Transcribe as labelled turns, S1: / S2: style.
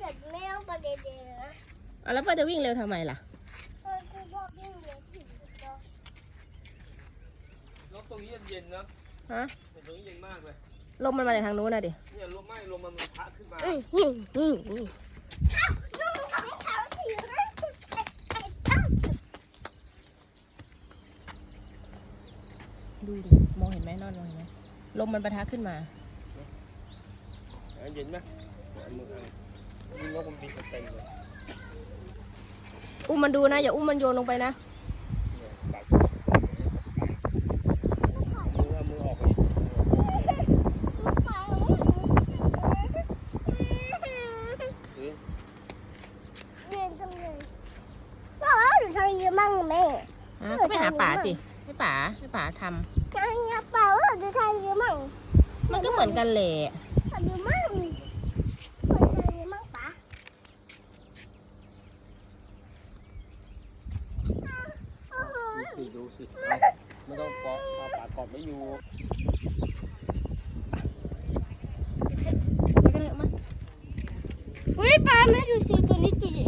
S1: แต่ไม่ต้องไปเด็ดๆนะ
S2: แล้วพ่อจะวิ่งเร็วทำไมล่ะ
S1: คือพ่อวิ่งเร็วถึงตัว
S3: รถตรงนี้เย็นนะ
S2: ฮะ
S3: แต่ตรงนี้เย็นมากเลย
S2: ลมมันมาจากทางนู้นนะดิ
S3: เนี่ยลมมันพัดขึ้นมา
S2: ดูดิมองเห็นไหมนอนมองเห็นไหมลมมันปะทะขึ้นมา
S3: เย็นไหมมือนี่นกมันบินเต็มเลย
S2: อุ้มมันดูนะอย่าอุ้มมันโยนลงไปนะ
S3: มือออกไป
S1: เรียนจังเลยก็หนูทำเยอะมากแม่
S2: ก็ไปหาป๋าสิให้ป๋าทำ
S1: ทำเยอะเปล่าหนูทำเยอะมาก
S2: มันก็เหมือนกันแหละ
S1: ทำเยอะมากป๋า
S3: ดูสิไม่ต้องเกาะเอาปากกอดไม่อยู่
S1: อุ้ยปลาแม่ดูสิตัวนี้ตัวใหญ่